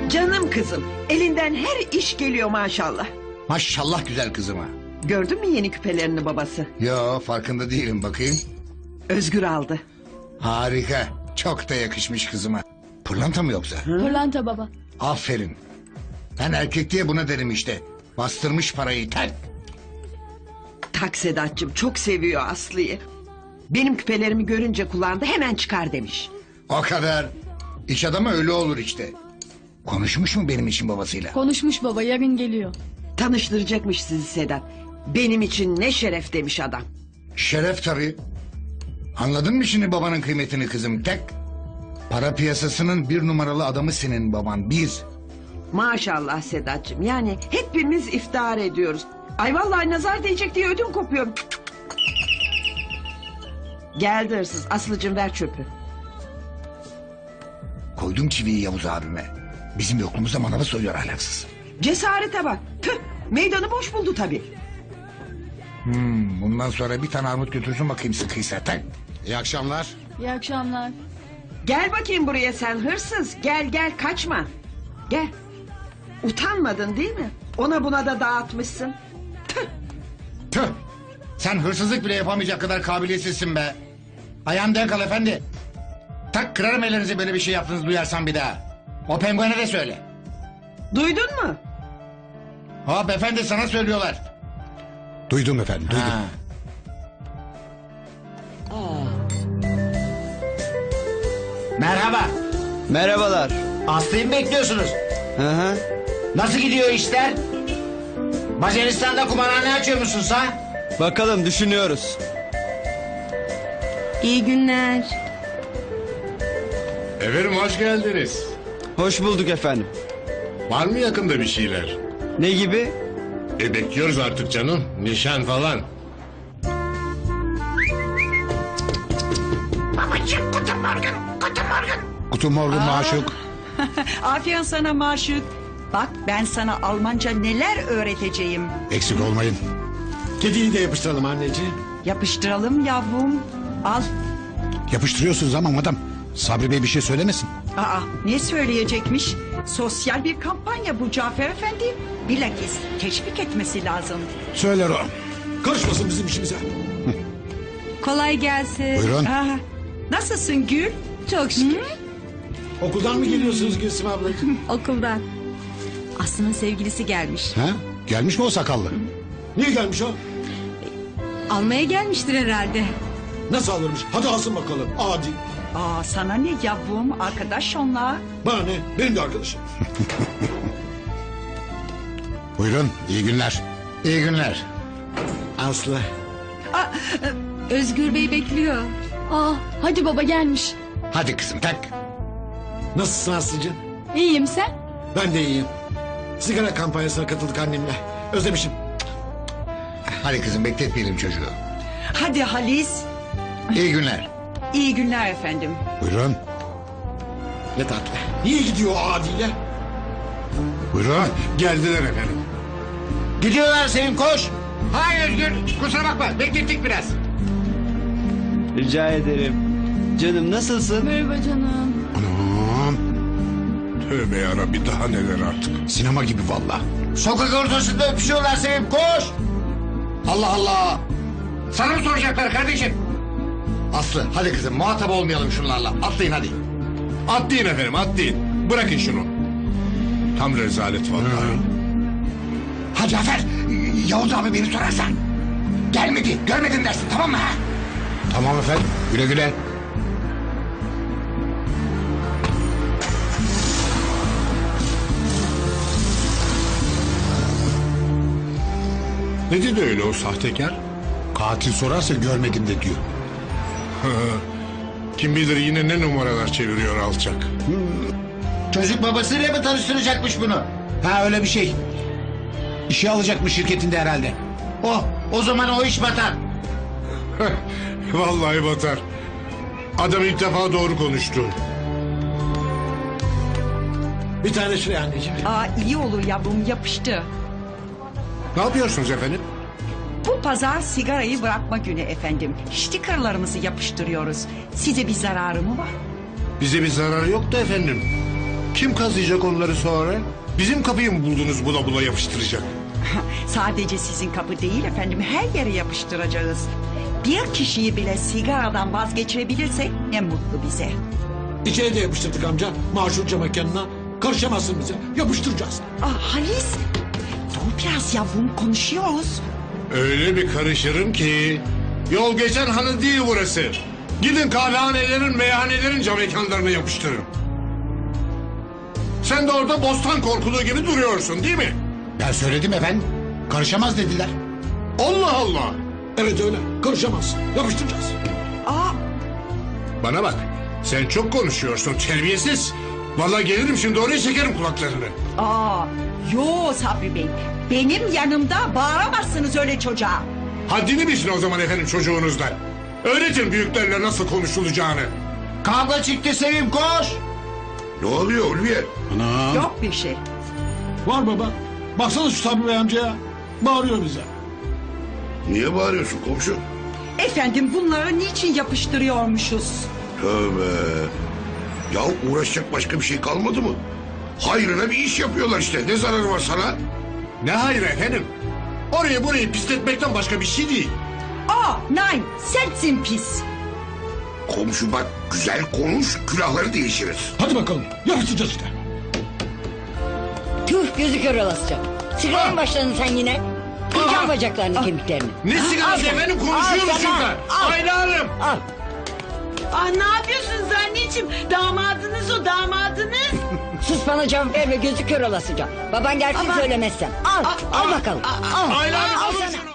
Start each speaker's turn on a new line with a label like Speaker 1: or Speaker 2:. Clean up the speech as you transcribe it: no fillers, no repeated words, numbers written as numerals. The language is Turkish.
Speaker 1: Canım kızım, elinden her iş geliyor maşallah.
Speaker 2: Maşallah güzel kızıma.
Speaker 1: Gördün mü yeni küpelerini babası?
Speaker 2: Yo, farkında değilim, bakayım.
Speaker 1: Özgür aldı.
Speaker 2: Harika. Çok da yakışmış kızıma. Pırlanta mı yoksa?
Speaker 3: Pırlanta baba.
Speaker 2: Aferin. Ben erkek diye buna derim işte. Bastırmış parayı tak.
Speaker 1: Tak Sedat'cığım, çok seviyor Aslı'yı. Benim küpelerimi görünce kulağında hemen çıkar demiş.
Speaker 2: O kadar. İş adamı öyle olur işte. Konuşmuş mu benim için babasıyla?
Speaker 3: Konuşmuş baba, yarın geliyor.
Speaker 1: Tanıştıracakmış sizi Sedat. Benim için ne şeref demiş adam.
Speaker 2: Şeref tabii. Anladın mı şimdi babanın kıymetini kızım tek? Para piyasasının bir numaralı adamı senin baban, bir.
Speaker 1: Maşallah Sedat'cığım, yani hepimiz iftihar ediyoruz. Ay vallahi nazar değecek diye ödüm kopuyor. Geldi hırsız. Aslıcığım ver çöpü.
Speaker 2: Koydum çiviyi Yavuz abime. Bizim yokluğumuzda manavı soyuyor ahlaksız.
Speaker 1: Cesarete bak. Tüh, meydanı boş buldu tabii.
Speaker 2: Bundan sonra bir tane armut götürsün bakayım sıkıysa tak. İyi akşamlar.
Speaker 3: İyi akşamlar.
Speaker 1: Gel bakayım buraya sen hırsız. Gel gel, kaçma. Gel. Utanmadın değil mi? Ona buna da dağıtmışsın. Tüh.
Speaker 2: Tüh. Sen hırsızlık bile yapamayacak kadar kabiliyetsizsin be. Ayağını denk al efendi. Tak, kırarım ellerinizi böyle bir şey yaptınız duyarsam bir daha. O penguene de söyle.
Speaker 1: Duydun mu?
Speaker 2: Hop efendi, sana söylüyorlar.
Speaker 4: Duydum efendim, duydum.
Speaker 2: Ha.
Speaker 5: Merhaba.
Speaker 6: Merhabalar.
Speaker 5: Aslı'yı mı bekliyorsunuz?
Speaker 6: Hı hı.
Speaker 5: Nasıl gidiyor işler? Macaristan'da kumarhane açıyor musun sen?
Speaker 6: Bakalım, düşünüyoruz.
Speaker 7: İyi günler.
Speaker 8: Efendim hoş geldiniz.
Speaker 6: Hoş bulduk efendim.
Speaker 8: Var mı yakında bir şeyler?
Speaker 6: Ne gibi?
Speaker 8: Bekliyoruz artık canım. Nişan falan.
Speaker 4: Guten Morgen maşuk.
Speaker 9: Aferin sana Maşuk. Bak ben sana Almanca neler öğreteceğim.
Speaker 4: Eksik olmayın.
Speaker 5: Kediyi de yapıştıralım anneciğim.
Speaker 9: Yapıştıralım yavrum. Al.
Speaker 4: Yapıştırıyorsunuz ama madam. Sabri Bey bir şey söylemesin.
Speaker 9: Aa, ne söyleyecekmiş? Sosyal bir kampanya bu Cafer Efendi. Bilakis teşvik etmesi lazım.
Speaker 4: Söyler o.
Speaker 5: Karışmasın bizim işimize.
Speaker 7: Kolay gelsin.
Speaker 4: Buyurun.
Speaker 9: Aa, nasılsın Gül?
Speaker 7: Çok şükür.
Speaker 5: Okuldan mı geliyorsunuz Gülsüm ablacığım?
Speaker 7: Okuldan. Aslı'nın sevgilisi gelmiş.
Speaker 4: Ha? Gelmiş mi o sakallı?
Speaker 5: Niye gelmiş o?
Speaker 7: Almaya gelmiştir herhalde.
Speaker 5: Nasıl alırmış? Hadi alsın bakalım. Adi.
Speaker 9: Aa, sana ne yavrum, arkadaş onunla.
Speaker 5: Bana ne? Benim de arkadaşım.
Speaker 4: Buyurun, iyi günler.
Speaker 2: İyi günler.
Speaker 5: Aslı.
Speaker 7: Özgür Bey bekliyor.
Speaker 3: Aa, hadi baba gelmiş.
Speaker 2: Hadi kızım tak.
Speaker 5: Nasılsın Aslı'cığım?
Speaker 3: İyiyim, sen?
Speaker 5: Ben de iyiyim. Sigara kampanyasına katıldık annemle. Özlemişim.
Speaker 2: Hadi kızım, bekletmeyelim çocuğu.
Speaker 9: Hadi Halis.
Speaker 2: İyi günler.
Speaker 9: İyi günler efendim.
Speaker 4: Buyurun,
Speaker 5: Ne tatlı. Niye gidiyor o adiyle?
Speaker 4: buyurun.
Speaker 8: Geldiler efendim.
Speaker 5: Gidiyorlar Sevim, koş.
Speaker 2: Hayır Özgür, kusura bakma, beklettik biraz.
Speaker 6: Rica ederim. Canım, nasılsın?
Speaker 3: Merhaba canım.
Speaker 4: Anam,
Speaker 8: Tövbe yarabbi, daha neler artık.
Speaker 4: sinema gibi valla.
Speaker 5: Sokak ortasında öpüşüyorlar Sevim, koş.
Speaker 2: Allah Allah. Sana mı soracaklar kardeşim? Aslı, hadi kızım, muhatap olmayalım şunlarla. Atlayın hadi.
Speaker 8: Atlayın efendim, atlayın. Bırakın şunu. Tam rezalet vallahi.
Speaker 2: Ha Cafer, Yavuz abi beni sorarsan. Gelmedi, görmedin dersin, tamam mı ha?
Speaker 4: Tamam efendim, güle güle.
Speaker 8: Ne dedi öyle o sahtekar?
Speaker 4: Katil sorarsa görmedim de diyor.
Speaker 8: Kim bilir yine ne numaralar çeviriyor alçak.
Speaker 5: Çocuk babasıyla mı tanıştıracakmış bunu?
Speaker 4: Ha öyle bir şey. İşe alacakmış şirketinde herhalde.
Speaker 5: O zaman o iş batar.
Speaker 8: Vallahi batar. Adam ilk defa doğru konuştu.
Speaker 5: Bir tane şuraya anneciğim.
Speaker 9: Aa, iyi olur yavrum, yapıştı.
Speaker 8: Ne yapıyorsunuz efendim?
Speaker 9: Bu pazar sigarayı bırakma günü efendim. Stikerlerimizi yapıştırıyoruz. Size bir zararı mı var?
Speaker 8: Bize bir zararı yok da efendim. Kim kazıyacak onları sonra? Bizim kapıyı mı buldunuz bula bula yapıştıracak?
Speaker 9: Sadece sizin kapı değil efendim, her yere yapıştıracağız. Bir kişiyi bile sigaradan vazgeçirebilirsek ne mutlu bize.
Speaker 10: İçeri de yapıştırdık amca. Maşurca mekanına. Karışamazsın bize. Yapıştıracağız.
Speaker 9: Halis, dur biraz yavrum, konuşuyoruz.
Speaker 8: Öyle bir karışırım ki... Yol geçen hanı değil burası. Gidin kahvehanelerin, meyhanelerin cam mekanlarına yapıştırın. Sen de orada bostan korkuluğu gibi duruyorsun değil mi?
Speaker 2: Ben söyledim efendim. Karışamaz dediler.
Speaker 8: Allah Allah!
Speaker 10: Evet öyle. Karışamazsın. Yapıştıracağız.
Speaker 8: Bana bak, sen çok konuşuyorsun terbiyesiz. Vallahi gelirim şimdi oraya çekerim kulaklarını.
Speaker 9: Yo Sabri Bey, benim yanımda bağıramazsınız öyle çocuğa.
Speaker 8: Haddini bilsin o zaman efendim çocuğunuzdan. Öğretin büyüklerle nasıl konuşulacağını.
Speaker 5: Kavga çıktı Sevim koş.
Speaker 8: Ne oluyor Ulviye?
Speaker 4: Anam.
Speaker 9: Yok bir şey.
Speaker 10: Var baba. Baksana şu Sabri Bey amcaya. Bağırıyor bize.
Speaker 8: Niye bağırıyorsun komşu?
Speaker 9: Efendim bunları niçin yapıştırıyormuşuz?
Speaker 11: Tövbe. Ya uğraşacak başka bir şey kalmadı mı? Hayrına bir iş yapıyorlar işte. Ne zararı var sana?
Speaker 8: Ne hayır efendim? Orayı burayı pisletmekten başka bir şey değil.
Speaker 9: Nein, sensin pis.
Speaker 11: Komşu bak, güzel konuş, külahları değişiriz.
Speaker 10: Hadi bakalım. Yapıştıracağız işte.
Speaker 12: Tüh gözü kör olasıca. Sigara mı başladın sen yine? Kıracağım bacaklarını kemiklerini.
Speaker 8: Ne sigarası efendim konuşuyoruz şurada. Ayla Hanım.
Speaker 1: Ne yapıyorsunuz anneciğim? Damadınız o, damadınız.
Speaker 12: Sus bana cevap verme gözü kör olasıca. Baban gelsin söylemezsem. Al bakalım. Al.
Speaker 8: Ayla Hanım
Speaker 12: Al
Speaker 8: alın
Speaker 12: sana.
Speaker 8: şunu.